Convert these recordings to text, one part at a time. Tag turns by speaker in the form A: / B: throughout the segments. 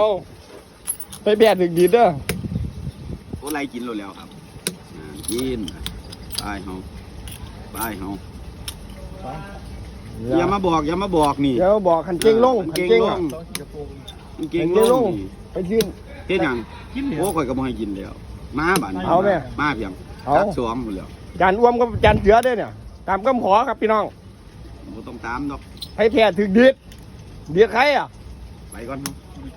A: ไปแบดถึงดีเด้อ
B: โอ้ไรกินแล้วครับกินไปเฮาอย่ามาบอกนี่
A: เดี๋ยวบอกขันเก่งลงขันเก่งลง
B: เก่งลง
A: ไปยืน
B: เฮ็ดหยังโอ้ข่อยก็บ่ให้กินแล้วมาบ้าน
A: เอาแม่
B: มาเพียง
A: เอา
B: จักสวมหมดแล้ว
A: จานอ้วมกับจานเสือด้วยเนี่ยตามคำขอครับพี่น้อง
B: บ่ต้องตามดอก
A: ให้แพ้ถึงดีดใครอ่ะ
B: ไปก่อนเฮา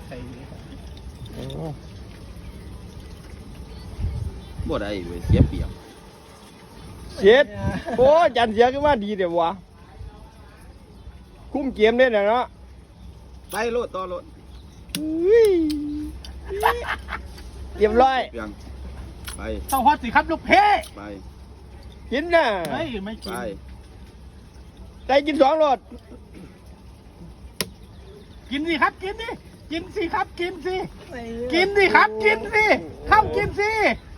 B: บ่ได้เว้ยเสียเปรียบ
A: เจ็ดโอ้จานเสือก็ว่าดีเดี๋ยววะคุ้มเกมเนี่ยเนาะ
B: ไปโลดต่อโลด
A: อุ้ยเรียบร้อย
B: เพียงไป
C: ต้องฮอตสิครับลูกเพ่
B: ไป
A: กินน่ะ
C: เฮ้ยไม่กิ
B: ไป
C: น
A: ใจกินสองรส
C: กินสิครับกินดิกินสิครับกินสิกินสิครับกินสิเข้ากินสิ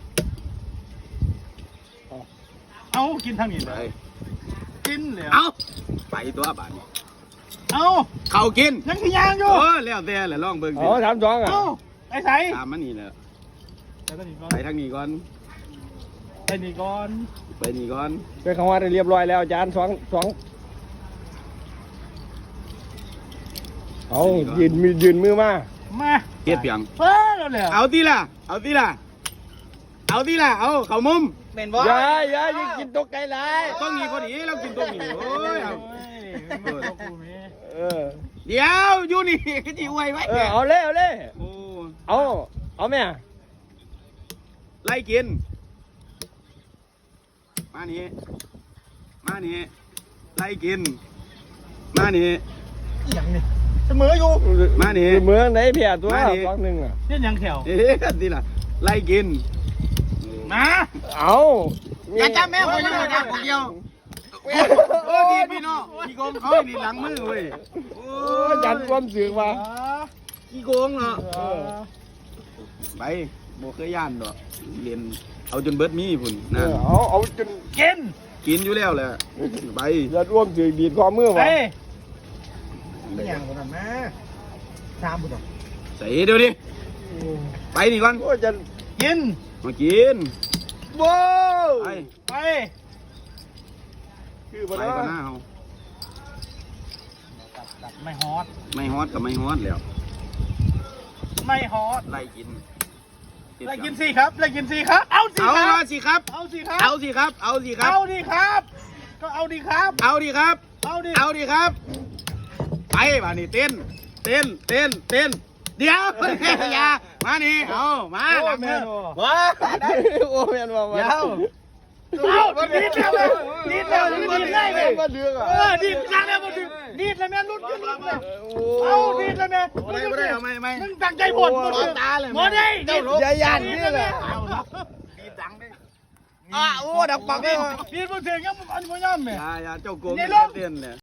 C: เอากินทางนี้
B: ไป
C: เลยกินเลย
B: เอาไปตัวบ้านนี้
C: เอา
B: เข้ากิน
C: ยังขี้ยางอยู่
B: โอ้แล้วแต่แหละลองเบิ่งสิ
A: อ๋อถามสองอ่ะ
C: เอาไอ้ใส่
B: ตามมันนี่แหละ
C: ไปนี่ก่อน
B: ไปทางนี้ก่อน
C: ไปนี่ก่อน
B: ไปนี่ก่อน
A: เป็นคำว่าได้เรียบร้อยแล้วจานสองเอายืนมือมา
C: มา
B: เฮ็ดเพียง
C: เพิ่มแล้ว
B: เอาทีละเอาเข้ามุม
A: เป็นบ่อย่ายิงกินตกไก่หลาย
B: ต้องนี้พอดีเรากินตรงนี้โอ้ยเอา
A: เออ
B: เดี๋ยวอยู่นี่ก็จีอวยไว้
A: เอาเลย
B: โอ้
A: เอาแม่
B: ไล่กินมานี่ไล่กินมานี่
C: อย่างนี้เสมออยู่
B: มานี่
A: เมืองไหนเพียตัวสองหนึ่งอ่ะ
C: เนี่ยยังแถว
B: เอ๊ะทีละไล่กิน
C: มา
A: เอา
B: อย่าจับแม่คนยังไม่จับคนเดียวโอ้ดีพี่น้องขี้โกงเขาดีหลังมือเว้ยโอ้
A: จันความเสือกว่า
B: ขี้โกงเนาะไปโบเคยย่านดอกเรียนเอาจนเบิดมีพุ่นนั่น
A: เอาจน
C: กิน
B: กินอยู่แล้วแหละไป
A: ยัดร่วมเสือกดีดข้อมือ
C: ไป
A: วะ
C: ไม่อย่างนั้นนะตามบุตร
B: ใส่เดี๋ยวดิไปนี่ก่อน
A: โอ้จัน
C: กิน
B: มากิน
A: ว้าว
B: ไป
C: ไป
A: คือ
B: ไป
A: บ่
B: ก่อนห
A: นะ
B: น้าเฮา
C: ตัดไม่ฮอต
B: ไม่ฮอตกับไม่ฮอตแล้ว
C: ไม่ฮอต
B: ไล่กิน
C: ไล่กินสิครับไล่กินสิครับเอาสิ
B: เอา
C: ครับ
B: สิครับ
C: เอาสิครับ
B: เอาสิครับเอาสิครับ
C: เอาดิครับ ก็เอาดิครับ
B: เอาดิครับ
C: เอาดิ
B: เอาดิครับไปมานี่เต้นเดี๋ยวอย่ามานี่เอามาหลังมือว้า
A: โอ้แม่นว่า
B: เดี๋ยว
C: เอาดีดแล้วเลยดีดแล้วดีดเลยเลย
A: มาเดือกอ่ะ
C: ดีดจังแล้วมันดีดแล้วแม่ลุ้นขึ้นลุ้นเลย
A: โอ้
C: เอาดีดแล้วแม่
B: ไม่ได้เอาไม่
C: มึงตั้งใจหมดหมดตาเลยหมดได้ดีด
A: อย่ายันนี่แหละ
B: ดีดังได้
A: โอ้ดักปักเลย
C: ดีดมันเสียงยังมันย่ำแม่
B: อย่าเจ้าโกงเต้นเลย